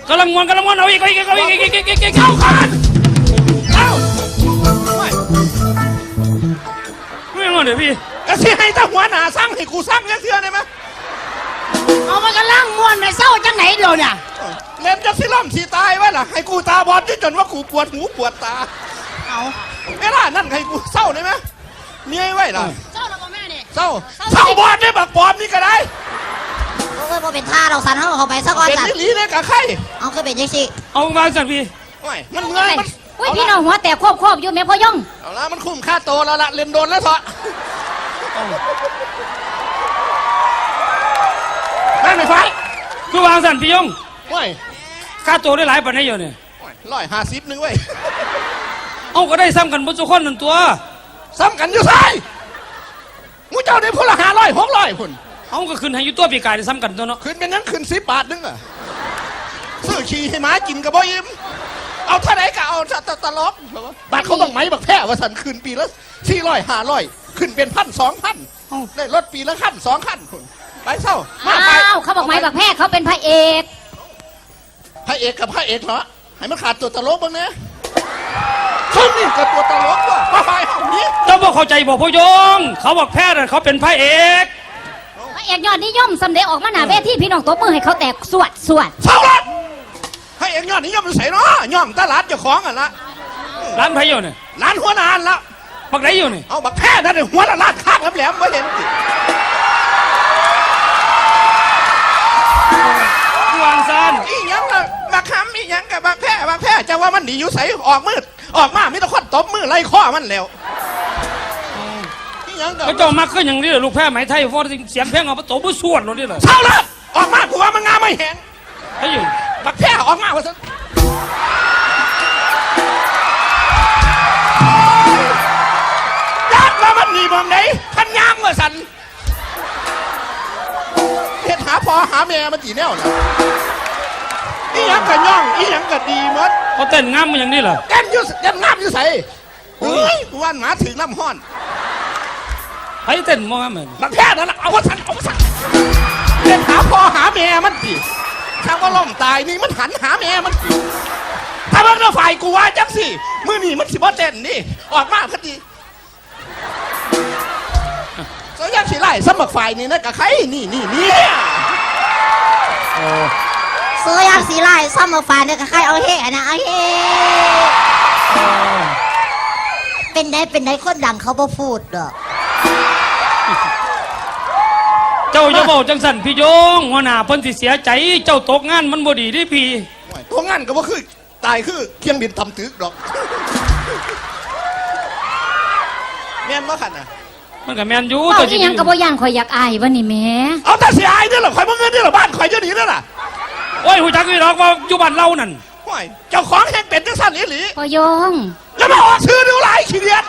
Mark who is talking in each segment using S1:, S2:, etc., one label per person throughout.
S1: กำลังมวนเอาอีกเข้ากันเอาไม่งอนเดี๋ยวพี่
S2: ก็สิให้ตาหัวหน้าสั่งให้กูสั่งเชื่อได้ไหม
S3: เอามันกำลังม้วนในเศร้าจังไหนเดี๋ยวเนี่ย
S2: เล่นจะสิล่ำสิตายไว้ล่ะให้กูตาบอดจนว่ากูปวดหูปวดตา
S3: เอา
S2: ไม่ได้นั่นให้กูเศร้าได้ไหมเมียไว้ล่ะ
S3: เศร้าแล้วก็แม่นี่
S2: เศร้าบอดได้บักปอมนี่ก็ได้
S3: โอ้ยพอเป็นท่าเราสั่นเขาไปสักวัน
S2: เป็นลิ้นเลยกับใคร
S3: เอาคือเป็นยังสิ
S1: เอามาสั่นพี่
S2: มันเงยมัน
S3: อุ้ยพี่น้องหัวแตกควบอยู่แม่พ่อย่อง
S2: เอาละมันคุ้มค่าโตแล้วละเล่นโดนแล้วเถอะไม่ไฟ
S1: คือวางสั่นพี่ยง
S2: ว้ย
S1: ค่าตัวได้หลายปันได้เยอะเนี่ย
S2: 150นึงเว้ย
S1: เอาก็ได้ซ้ำกันบนสุขคนนั่นตัว
S2: ซ้ำกันอยู่ไสมูเจ้าได้พละ500 600พุ่น
S1: เอาก็ขึ้นให้อยู่ตัวปีกายได้ซ้ำกันตัวเนาะ
S2: ขึ้นเป็นนั้นขึ้น10 บาทนึงอ่ะซื้อขี้ให้หมากินกับบ่อิ่มเอาเท่าไหร่ก็เอาตลกบัตรเขาต้องไหมบักแพ้ว่าสันขึ้นปีละ400 500ขึ้นเป็น1,000 2,000ได้รถปีละคัน2 คันคุณไปเศร้า
S3: อ้าวเขาบอกไหมบักแพ้เขาเป็นพระเอก
S2: กับพระเอกเหรอให้มันขาดตัวตลกบ้างนะเขานี่กับตัวตลกว่ะไปเอานี้
S1: เจ้าบอกเข้าใจบอกพ่อยงเขาบอกแพทย์เขาเป็นพระเอก
S3: ยอดนิยมสำเร็จออกมาหน้าเวทีพี่น้องตบมือให้เขาแตกสวด
S2: เศร้าละให้เอกยอดนิยมใส่เนาะย่อมตลาดเจ้าของอ่ะละ
S1: ร้านไผ่อยู่เนี่ย
S2: ร้านหัวนานละ
S1: บักไหนอยู่เนี่ย
S2: เอาบักแพ้นั่นหัวละร้านข้างแหลมไม่เห็นสิ
S1: วางซัน
S2: อีหยังล่ะบักคำอีหยังกับบักแพ้จะว่ามันหนีอยู่ใส่ออกมืดออกมาไม่ต้องคนตบมือไล่ข้อมันแล้วอีหยังกับ
S1: ก็จะมาขึ้นอย่างนี้เหรอลูกแพ้ไหมไทยฟอร์เสียงเพลงเอาประตูบุษวดหรอเนี่ยเหรอ
S2: เศร้าละออกมากูว่ามันงามไม่เห็น
S1: ไอ้อยู่
S2: บักแพ้ออกมาว่าสันยัดมามันหนีมองไหนพันยางว่าสันเห็ดหาพอหาแม่มันตีแนวนะอีหยังกับย่องอีหยังกับดีมด
S1: เขาเต้นงามมันอย่างนี้เหรอ
S2: เต้นยุ่เต้นงามยุ่ใส่เฮ้ยวันหมาถึงน้ำห้อน
S1: ไอ้เต้นมองเหมือน
S2: บักแพ้นั่นแหละเอาว่าสันเห็ดหาพอหาแม่มันตีถ้าว่าล่มตายนี่มันหันหาแม่มันตีถ้าเมื่อฝ่ายกูว่าจังสิมือนี่มันสิบ่เต้นนี่ออกมาพอดีเสียงสิไล่สมัครฝ่ายนี่นะกับใครนี่
S3: เสียงสิไล่สมัครฝ่ายนี่กับใครเอาเฮ่นะเอาเฮ่เป็นได้คนดังเขาบ่พูดดอก
S1: เจ้าจะบอกจังสันพี่ยงหัวหน้าเพิ่นสิเสียใจเจ้าตกงานมันบ่ดีดิพี่
S2: ตกงานก็บ่คือตายคือเคียงบินทำตึกดอกแม่นบ่ขันน่ะ
S1: มันกับแมนยู
S3: ตัวจริงยังกับว่าย่างข่อยอยากอายวันนี้แม่
S2: เอาแต่เสียอายนี่หรอข่อยมาเงินนี่หรอบ้านข่อยจะหนีนี่ล่ะ
S1: โอ้ยหูจักนี่หรอกว่าอยู่บ้านเรานั่น
S2: โอ้ยเจ้าของแห่งเป็นจังสันอีหลี
S3: พอยง
S2: แล้วมาออกซื้อดูหลายขี้เดียด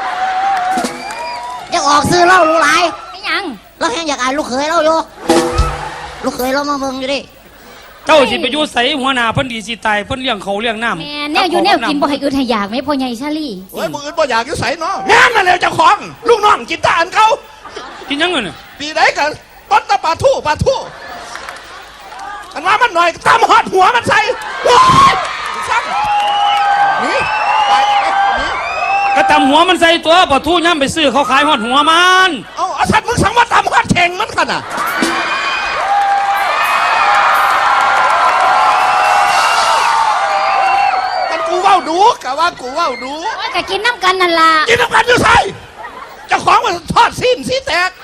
S3: อยากออกซื้อเล่ารู้หลายไม่ยังเราแห่งอยากอายลูกเขยเราอยู่ลูกเขยเรามาเมืองอยู่ดิ
S1: เจ้าสิไปอยู่ใส่หัวหน้าเพิ่นดีสิตายเพิ่นเลี้ยงเขาเลี้ยงน้ำ
S3: แม่แนวอยู่แนวกินบ่ให้อึดให้อยากไหมพ่อใหญ่ชาลี
S2: โอ้ยบ่อึดบ่อยากอยู่ใส่เนาะแม่นั่นแหละเจ้าของลูกน้องกินตาอันเขา
S1: กินยังไงเนี่ย
S2: ปีไหนกันต้นตะปลาทู่อันว่ามันหน่อยตามหอดหัวมันใส่ซ้ำนี่ไปนี่
S1: ก็ตำหัวมันใส่ตัวปลาทูย่ำไปซื้อเขาขายหอดหัวมัน
S2: เอาสัตว์มึงสั่งว่าตามหอดแข่งมันขนาดกูว่าดูกะว่ากูว่าดู
S3: กะกินน้ำกันนั่นล่ะ
S2: กินน้ำกันอยู่ใส่เจ้าของมันทอดสิ้นสีแตก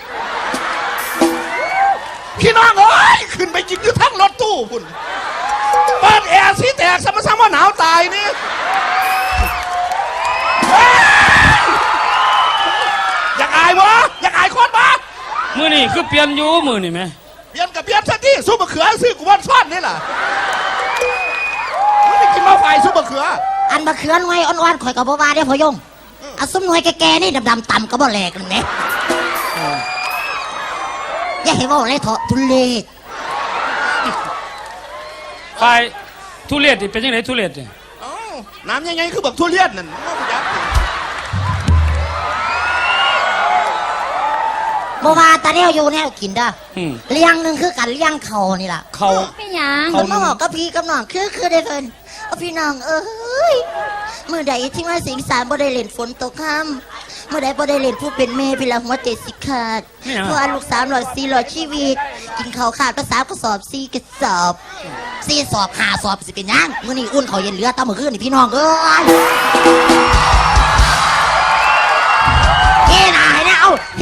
S2: พี่น้องเอ้ยขึ้นไปกินอยู่ทั้งรถตู้พุ่นเปิดแอร์สีแตกซ้ำว่าหนาวตายนี่อยากอายบ่อยากอายคนบ่
S1: มือนี่คือเปลี่ยนอยู่มือนี่ไหม
S2: เปลี่ยนกับเปลี่ยนซะที่ซุปมะเขือซื้อกูวันซ่อนนี่แหละไม่กินมาไฟซุปมะเขือ
S3: อันมะเขือหน่วยอ่อนๆข่อยกับบ่ว่าได้พอยงเอาซุปหน่วยแก่ๆนี่ดำๆต่ำก็บ่แหลกนั่นแหละอย่าให้ว่าเลยเถอะทุเรศ
S1: ไฟทุเรศนี่เป็นยังไงทุเรศเนี่ย
S2: น้ำยังไงคือแบบทุเรียนนั่น
S3: บ่ว่าตาแนวอยู่แนวกินเด้อ
S1: อืม
S3: เลี้ยงหนึงคือกันเลี้ยงเขานี่ล่ะ
S1: เขา
S4: เป็นหยัง
S1: เขา
S3: มาบอกกับพี่กับน้องคือได้เพิ่นเอาพี่น้องเอ้ยมื้อใดที่ว่าสิงสารบ่ได้เล่นฝนตกค่ำมื้อใดบ่ได้เล่นผู้เป็นแม่พี่ละหัวใจสิขาดเพราะว่าลูก300 400ชีวิต กินข้าวขาดภาษากระสอบ4กระสอบ4สอบ5สอบสิเป็นหยังมื้อนี้อุ่นข้าวเย็นเหลือตามมื้อคืนนี่พี่น้องเอ้ยเฮ้นายนะเอาเฮ้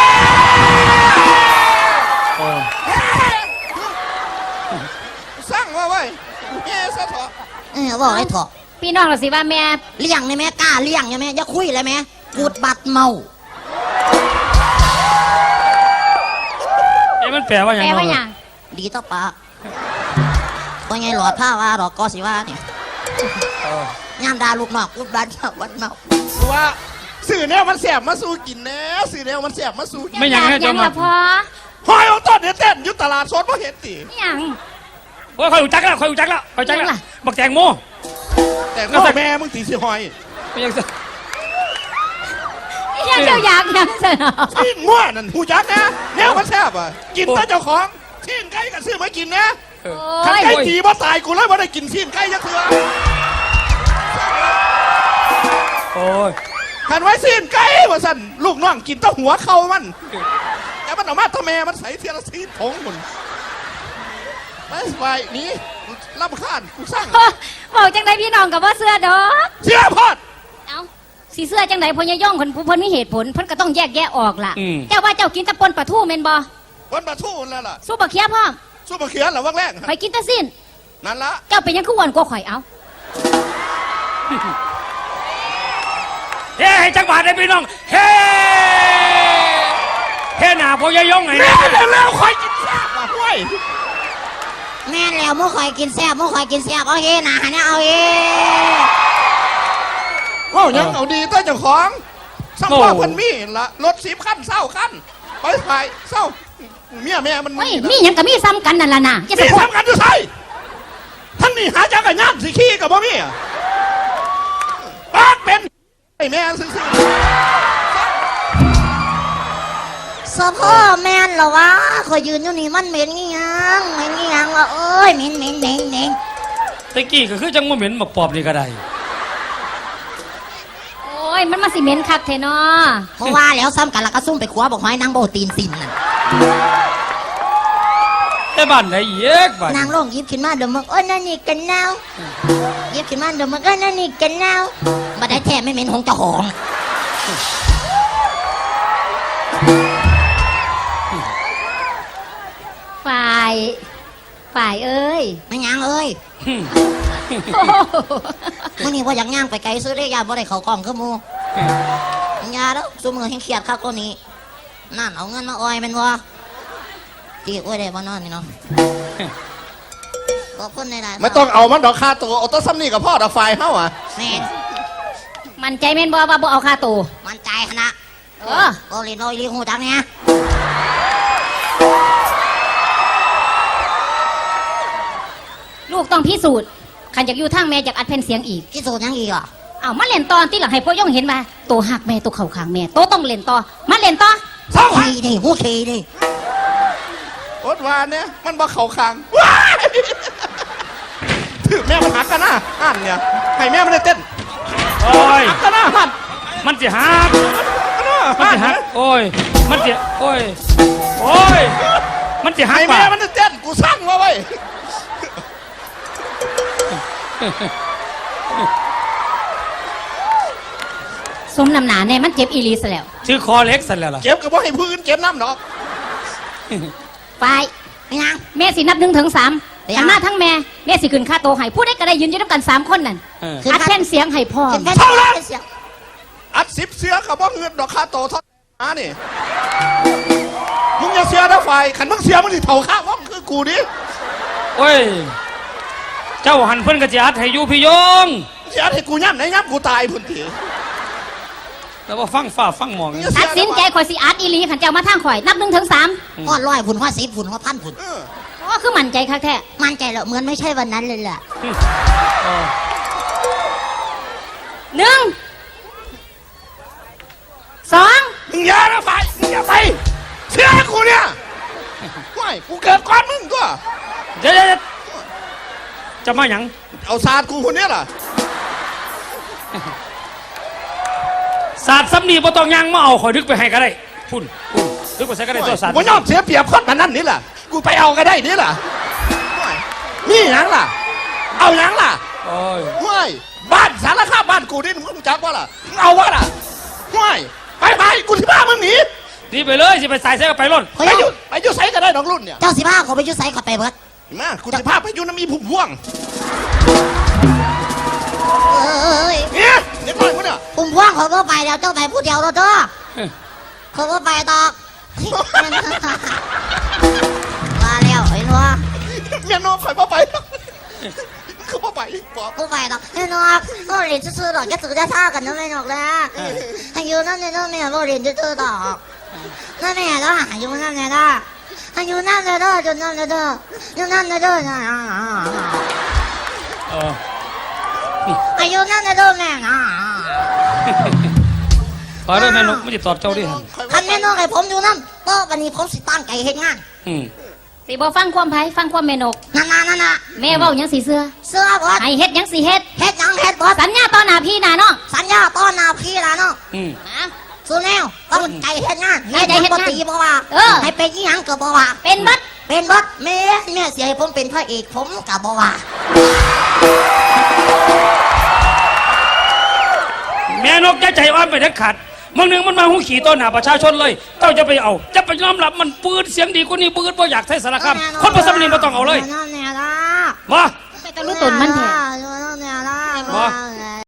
S1: โอ้
S2: สร้างว่าไว้เฮ้ซะเถอะ
S3: บอกให้ถอะ
S4: พี่น้องเราสิว่าแม่
S3: เลี้ยงได้ไหมกล้าเลี้ยงได้ไหมอย่าคุยเลยไหมกูดบัดเมา
S1: เอ๊ะมันแปลว่าหยัง
S4: แปลว่าหยั
S1: เนาะ
S4: ง
S3: ดีต่อปากก็ไงหลอดผ้าว่าหลอดกอสิว่าเนี่ยงามดาลูกนอกกูดบัดเมาวัดเมา
S2: คือว่าสื่อแนวมันแสบมาสู้กินแน่สื่อแนวมันแสบมาสู้กิน
S1: ไม่หยังให้
S4: ยั
S1: เจ้าง มา
S4: ละพอ
S2: หอยเอาต้นเนี่ยเต้นอยุตลาดสดเพราะเห็นตี
S4: ไม่หยัง
S1: โอ้ยคอยรู้จักแล้วคอยรู้จักแล้วคอยรู้จักแล้ว
S4: ยังล่ะ
S1: บักแตงโม
S2: แต่ก็แม่มึงตีสิหอย
S1: ไม่ยัง
S4: ยังเจ้าอยากยังเสนอ
S2: ที่ง่วนั่นหูจักนะแนวมันแสบอ่ะกินแต่เจ้าของที่ไก่กับซื้อมากินนะ
S4: โอ้
S2: ขัน
S4: ย
S2: ไก่ตีบ่ตายกูเลยบ่ได้กินที่ไก่ยักเถื่อ
S1: โอ้ย
S2: ขันไว้ซีนไก่ว่าสั่นลูกน้องกินแต้หัวเข่ามันแต่มันเอามาทำแม่มันใส่เทียละซีนผงหมดไปไปหนี่ลำคาญกูสร้าง
S4: บอกจังไดพี่น้องกับว่าเสื้อดอก
S2: เสียพอด
S4: เอ้าสีเสื้อจังไดพญายองคนผู้เพิ่นมีเหตุผลเพิ่นก็ต้องแยกแยะออกล่ะ
S1: อืม
S4: เจ้าว่าเจ้ากินแตะปนปลาทูแม่นบ่
S2: วันบาทูนั่นล่ะ
S4: สู้บักเขียพ่อม
S2: สู้มาเขียนเหรอว่างแรก
S4: ข่อยกินแตะสิ้น
S2: นั่นละ
S4: เจ้าเป็นหยังคืออ้วนกว่าข่อยเอ้า
S1: เฮ้ให้จักบาทได้พี่น้องเฮ้เฮ้หนาพ่อยายยงไง
S2: แม่
S1: นะ
S2: เร็วๆคอยกินแซ่บอ่ะห้วย
S3: แม่นแล้วมื่อคอยกินแซ่บมื่อคอยกินแซ่บเอาเฮ้นะเนี่ยเอาเฮ้
S2: ว้าวยังเอาดีตัวเจ้าของสัมพ่อเพันมีละรถ10 คันเศร้าคันไปไปเศร้าเมียแม่มัน
S4: เฮ้ยมีหยังก็มีซ้ำกันนั่นล่ะนะอย่า
S2: นี่
S4: สะโพก
S2: ทำกันอยู่ใส่ท่านนี่หาจักรยานสิขี้กับบ่มีอ่ะปากเป็นไอ้แม่ซื่อ
S3: สะพ่อแม่นเหรอวะคอยยืนอยู่นี่มันเหม็นงี้ยังเหม็นงี้ยังวะเอ้ยเหม็นเหม็นเหม็นเหม็น
S1: ตะกี้ก็คือจังโมเหม็นบักปอบนี่ก็ได้
S4: โอ้ยมันมาสิเหม็นคักแท้เนาะ
S3: เพราะว่าแล้วซ้ำกันและก็ซุ่มไปคว้าบอกไม้นางโบตีนสินนั่น
S1: แต่บ้านไหนเยกบ้าน
S3: นางลงหยิบขึ้นมาเดี๋ยวมึงโอ้ยนั่นนี่กันเน่าหยิบขึ้นมาเดี๋ยวมึงก็นั่นนี่กันเน่าบัดได้แท้ไม่เหม็นของเจ้าของ
S4: ฝ่ายเอ้ย
S3: ไม่ยังเอ้ย
S4: โอ้โห
S3: มื่อนี้ว่าอยากย่างไปไกลซื้อได้ยาบ่ได้เขากล่องคือหมูยาแล้วซุมือให้เครียดครับก็นี้นั่นเอาเงินมาอ้อยแมันวะตีอ้อยได้บ่นอนนี่เนาะขอบคุณในราย
S2: ๆไม่ต้องเอามันดอกค่าตัวเอาตัวซ้ำนี่กับพ่อดอกไฟเฮ้าอ่ะ
S3: แม่น
S4: มันใจแม่นบ่ว่าบ่เอาค่าตัว
S3: มันใจขนาด
S4: เออ
S3: ก็เรียนน้อยเรียนหูจังเนี่ย
S4: ลูกต้องพิสูจน์ขันอยากอยู่ทางแม่อยากอัดแผ่นเสียงอีก
S3: พิสูจน์ยังอีกอ่ะ
S4: เอามาเล่นตอนที่หลังให้พ่อย่องเห็นว่าโตหักแม่โตเข่าขางแม่โตต้องเล่นต่อมาเล่นต่อ
S2: เศร้า
S3: ขี้ดิหูขี้ดิ
S2: อดวานเนี่ยมันบ่เข่าคางว้ายถือแม่มันหักกันนะอ่านเนี่ยให้แม่มันได้เต้น
S1: โอ้ย
S2: หักกันนะหัน
S1: มันจะหัก มัน
S2: หั
S1: จะ
S2: น
S1: หักโอ้ยมันจะโอ้ยโอ้ยมันจะหัก
S2: ให้
S1: ป่ะ
S2: แม่มันได้เต้นกูสร้างมาไว้
S4: สมน้ำหนาแน่มันเจ็บอีหลีซะแล้ว
S1: ชื่อคอเล็กสันแล้วล่ะ
S2: เก็บกับว่าให้พื้นเก็บน้ำดอก
S4: ฝ่าย
S3: ไม่ยัง
S4: แม่สินับ1 ถึง 3
S3: เดี๋ยว
S4: หันมาทั้งแม่แม่สิขึ้นค่าโตให้ผู้ใดก็ได้ยืนอยู่ด้วยกัน3 คนนั่น
S1: เออ
S4: อัดแผ่นเสียงให้พ่อ
S3: เป็นแค่
S2: เท่าไหร่
S3: เสียง
S2: อัด10 เสือกับว่าเงินดอกค่าโตเท่าน้านี่มึงอย่าเสียนะไฟขันมึงเสียมึงสิเท่าข้าว่องคือกูดิ
S1: โอ้ยเจ้าหันเพิ่นกระจัดให้อยู่พี่ยง
S2: เสียให้กูย่ำไหนย่ำกูตายพุ่นที
S1: แล้วว่าฟังฝ่าฟังหมอง
S4: ตัดสินใจข่อยสิอัดอีหลีขันเจ้ามาทางข่อยนับ1 ถึง 3
S3: อ้อร้อยฝุ่นว่า10ฝุ่นว่าพันฝุ่น
S2: เออ
S4: ก็คือมั่นใจคักแท้
S3: มั่นใจแล้วเหมือนไม่ใช่วันนั้นเลยแหละ
S1: เออ
S4: 1 2
S2: มึงอย่านะไฟมึงอย่าไปเชื่อกูเนี่ยไม่กูเกิดก่อนมึงก็
S1: เดี๋ยวจะมาหยัง
S2: เอาศาสตร์กูคนเนี้ยล่ะ
S1: ศาสตร์ซ้ำนี่บ่ต้องยังมาเอาข่อยดึกไปให้ก็ได้พุ่นดึกไปใส่ก็ได้ตัวศาสตร์
S2: กูยอมเสียเปรียบคนมันนั่นนี่ล่ะกูไปเอาก็ได้นี่ล่ะนี่หยังล่ะ เอาหยังล่ะ
S1: โอ้ย
S2: ไม่บ้านสารคามบ้านกูนี่มึงรู้จักว่าล่ะมึงเอาวะล่ะไม่ไปกูที่บ้านมึงหนี
S1: ดีไปเลยสิไปใส่ใส่ก็ไปร่น
S3: เฮ้ย
S2: ไปอยู่ไสก็ได้ดอกรุ่นเนี่ย
S3: เจ้าสิพาเขาไปอยุ่ไสเขาไปเบิด
S2: มากูจะพาไปอยู่น้ำมีผุ่มพ่วง
S3: เอ้ย
S2: เนี่ยเด็กน้อยมึงเนี่ย
S3: ปุ่มพวงเขาก็ไปแล้วเจ้าไปผู้เดียวแล้วเจ้าเขาก็ไปตอกมาแล้วไอ้นัว
S2: เมียน้องคอยพ่อไปคือพ่อไปบอก
S3: กูไปตอกไอ้นัวก็เรียนซื่อๆดอกจะถือจะท่ากันนั่นไม่หรอกนะอายุนั่นเนี่ยนั่นแม่ก็เรียนซื่อๆดอกนั่นแม่ก็อายุนั่นเนี่ยนะอายุนั่นเนี่ยเด้อจนนั่นเนี่ยเด้อจนนั่นเนี่ยเด้อ
S1: เออ
S3: อายุนั่นเนี่ยเด้อแม่นะ
S1: ขอเด้อแม่นกไม่ติดตอบเจ้าดิ
S3: คันแม่น้องให้ผมอยู่นั่นก็วันนี้ผมสิตั้งใจเฮ็ดงาน
S4: สิบ่ฟังความไผฟังความแม่นก
S3: นั่นน่ะ
S4: แม่เว้าหยังสิเสื้อ
S3: เสื้อบอส
S4: ให้เฮ็ดหยังสิเฮ็ด
S3: เฮ็ดหยังเฮ็ดบอส
S4: สัญญาต่อหน้าพี่หน้าน้อง
S3: สัญญาต้อนนาพี่ละเนาะ
S4: นะ
S3: สู้แนวต้องใจเฮ็ดงาน
S4: ใจเฮ็ดงาน
S3: บ่ตีบ่ว่า
S4: เออ
S3: ให้เป็นอีหยังก็บ่ว่า
S4: เป็นบัด
S3: เป็นบอสแม่เสียให้ผมเป็นพระเอกผมก็บ่ว่า
S1: แม่นกจะใจอ่อนไปเด็ดขาดมึงหนึ่งมันมาหูขี่ต้นหาประชาชนเลยเจ้าจะไปเอาจะไปยอมรับมันปืนเสียงดีกว่านี้ปืนบ่อยากใช้สารคามคนประสมนีบ่ต้องเอาเลย
S3: นั่นแน่ล่ะ
S1: มา
S4: ไปตะลุตนมันแท้
S3: นั่นแน่ล่ะ
S1: บ่
S3: เ